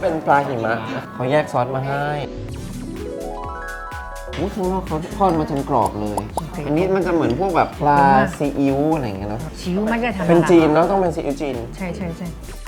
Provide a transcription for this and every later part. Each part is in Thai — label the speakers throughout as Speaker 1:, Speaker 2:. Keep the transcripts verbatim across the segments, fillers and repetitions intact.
Speaker 1: เป็นปลาหิมะเขาแยกซอสมาให้อุ๊ยข้างนอกเขาทอดมาจนกรอบเลย อันนี้มันจะเหมือนพวกแบบปลาซีอิ๊วอะไรอย่างเงี้ยเนาะ
Speaker 2: ซีอิ๊วไม่ใช่ธรรมดา
Speaker 1: เป็นจีนแล้วต้องเป็นซีอิ๊วจีน
Speaker 2: ใช่ใช่ใช่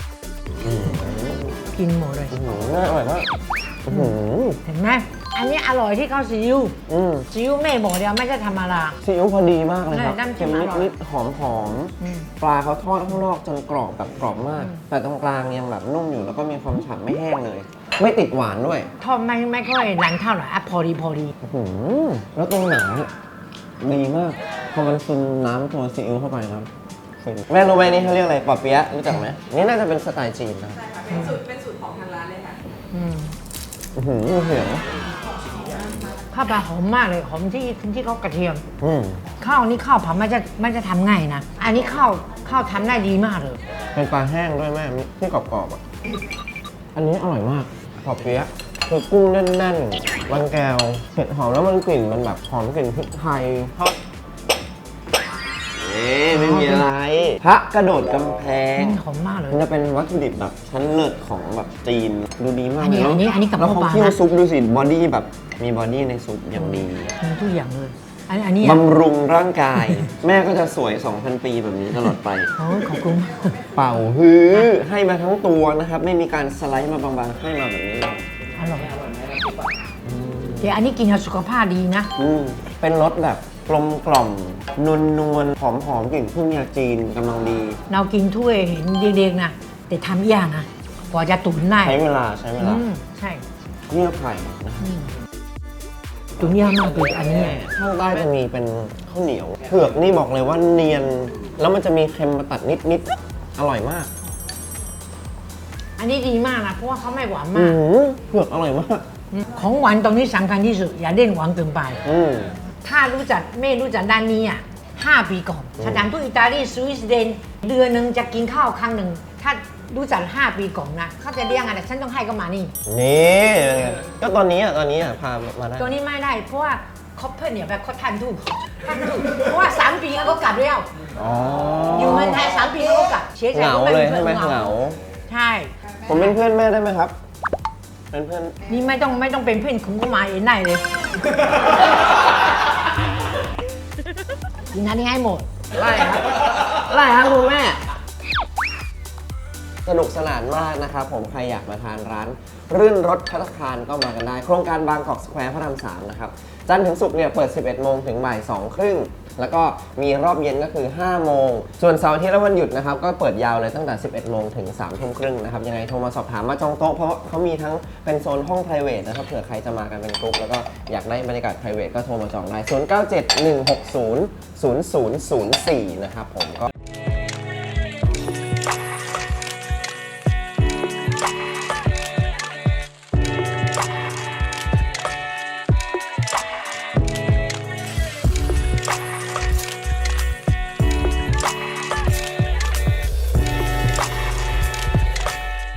Speaker 2: กินหมดเลย
Speaker 1: อื้อหือน่าอร่อยมากอื้อหือ
Speaker 2: เห็นไหมอันนี้อร่อยที่เขาซีอิ๊ว
Speaker 1: อืม
Speaker 2: ซีอิ๊วแม่บอกเดียวไม่ใช่ธรรมดา
Speaker 1: ซีอิ๊วพอดีมากเลยครับ
Speaker 2: ใช่น้ำจิ้
Speaker 1: เค็
Speaker 2: ม
Speaker 1: ม
Speaker 2: อร่อย
Speaker 1: นิดๆหอมหอมๆ
Speaker 2: อืม
Speaker 1: ปลาเขาทอดข้างนอกจนกรอบแบบกรอบมาก แต่ตรงกลางยังแบบนุ่มอยู่แล้วก็มีความฉ่ำไม่แห้งเลย ไม่ติดหวานด้วย
Speaker 2: ทอดไม่ไม่ค่อยนานเท่าไหร่อ่ะพอดีพอดี
Speaker 1: อื้อหือแล้วตรงหนังเนี่ยดีมากพอมันซึมน้ำตัวซีอิ๊วเข้าไปครับฟินแม่รู้ไหมนี่เขาเรียกอะไรปอเปี๊ยะรู้จักไหมนี่น่าจะเป็นสไตล์จีนนะ
Speaker 3: ใช่ค่ะเป็นสูตรเป็นสูตรของทางร้านเลยค่ะ
Speaker 2: อืม
Speaker 1: อื้อหือเสียง
Speaker 2: ข้าวปลาหอมมากเลยหอมที่ที่เขากระเทียม
Speaker 1: อืม
Speaker 2: ข้าวนี่ข้าวผัดไม่จะไม่จะทำง่ายนะ อันนี้ข้าวข้าวทำได้ดีมากเลย
Speaker 1: เป็นปลาแห้งด้วยแม่ที่กรอบๆอ่ะอันนี้อร่อยมากปอเปี๊ยะคือกุ้งแน่นๆมันแก้วเผ็ดหอมแล้วมันกลิ่นมันแบบหอมกลิ่นพริกไทยทอดเอ๊ะไม่มีอะไรพระกระโดดกำแพง
Speaker 2: อืมหอมมากเลย
Speaker 1: มันจะเป็นวัตถุดิบแบบชั้นเลิศของแบบจีนดูดีมาก
Speaker 2: อันนี้
Speaker 1: เลย
Speaker 2: อันนี้อันนี้กับ
Speaker 1: แล้ว
Speaker 2: ข้าว
Speaker 1: เขา
Speaker 2: ปลา
Speaker 1: เคี่ยว
Speaker 2: นะ
Speaker 1: ซุปดูสิบอดี้แบบมีบอดี้ในซุปอย่างดี
Speaker 2: มีทุกอย่างเลย อันนี้อันนี้อ่ะ
Speaker 1: บำรุงร่างกาย แม่ก็จะสวย สองพัน ปีแบบนี้ตลอดไป
Speaker 2: โอ้ยขอบคุณมาก
Speaker 1: เป่าฮื้อให้มาทั้งตัวนะครับ ไม่มีการสไลด์มาบางๆให้มาแบบนี้เลย
Speaker 2: อร่อยเดี๋ยวอันนี้กินกับสุขภาพดีนะ
Speaker 1: อืมเป็นรสแบบกลมกล่อมนวลนวลหอมหอมๆกลิ่นพึ่งยาจีนกำลังดี
Speaker 2: เรากินถ้วยเห็นเด็กๆนะแต่ทำยากนะกว่าจะตุ๋นได้
Speaker 1: ใช้เวลาใช้เว
Speaker 2: อื
Speaker 1: ลาม
Speaker 2: ใช่
Speaker 1: เยื่อไผ่นะครับ
Speaker 2: อืมตุ๋นยากมากเลยอันนี้
Speaker 1: ข้างใต้จะมีเป็นข้าวเหนียวเผือกนี่บอกเลยว่าเนียน แล้วมันจะมีเค็มมาตัดนิดๆอร่อยมาก
Speaker 2: อันนี้ดีมากนะเพราะว่าเขาไม่หวาน
Speaker 1: อื
Speaker 2: มาก
Speaker 1: มเผือกอร่อยมาก
Speaker 2: ของหวานตรงนี้สำคัญที่สุดอย่าเล่นหวานเกินไป
Speaker 1: อืม
Speaker 2: ถ้ารู้จักไม่รู้จักด้านนี้อ่ะห้าปีก่อนสถานทูตอิตาลีสวิสเดนเดือนหนึ่งจะกินข้าวครั้งหนึ่งถ้ารู้จักห้าปีก่อนนะเขาจะเรียกอะไรฉันต้องให้ก็มานี่
Speaker 1: นี่ก็ตอนนี้อ่ะตอนนี้อ่ะพามาได้
Speaker 2: ตัวนี้ไม่ได้เพราะว่าเขาเพื่อนเนี่ยแบบเขาทันทุกทันทุกเพราะว่าสามปีเขาก็กลับแล้ว
Speaker 1: อ๋อ
Speaker 2: อยู่เมืองไทยสามปีเขาก็กลับเสียใจ
Speaker 1: เหงา
Speaker 2: ก็
Speaker 1: เลย
Speaker 2: ป็
Speaker 1: ใช่ไหม
Speaker 2: พื่อน
Speaker 1: เหงา
Speaker 2: ใช่
Speaker 1: ผมเป็นเพื่อนแม่ได้ไหมครับ เป็นเพื่อน
Speaker 2: นี่ไม่ต้องไม่ต้องเป็นเพื่อนคุณก็มาเองได้เลยกินอันนี้ให้หมด
Speaker 1: ไล่ครับไล่ครับคุณแม่ สนุกสนานมากนะครับผมใครอยากมาทานร้านรื่นรสภัตตาคารก็มากันได้ โครงการบางกอกสแควร์พระรามสามนะครับ จันทร์ถึงศุกร์เนี่ยเปิด สิบเอ็ดโมงถึงบ่ายสองครึ่ง แล้วก็มีรอบเย็นก็คือ ห้าโมง ส่วนเสาร์อาทิตย์และวันหยุดนะครับ ก็เปิดยาวเลยตั้งแต่ สิบเอ็ดโมงถึง สามทุ่มครึ่งนะครับ ยังไงโทรมาสอบถามมาจองโต๊ะเพราะเขามีทั้งเป็นโซนห้อง private นะครับเผื่อใครจะมากันเป็นกลุ่มแล้วก็อยากได้บรรยากาศ private ก็โทรมาจองได้ ศูนย์ เก้า เจ็ด หนึ่ง หก ศูนย์ ศูนย์ ศูนย์ ศูนย์ สี่ นะครับผมก็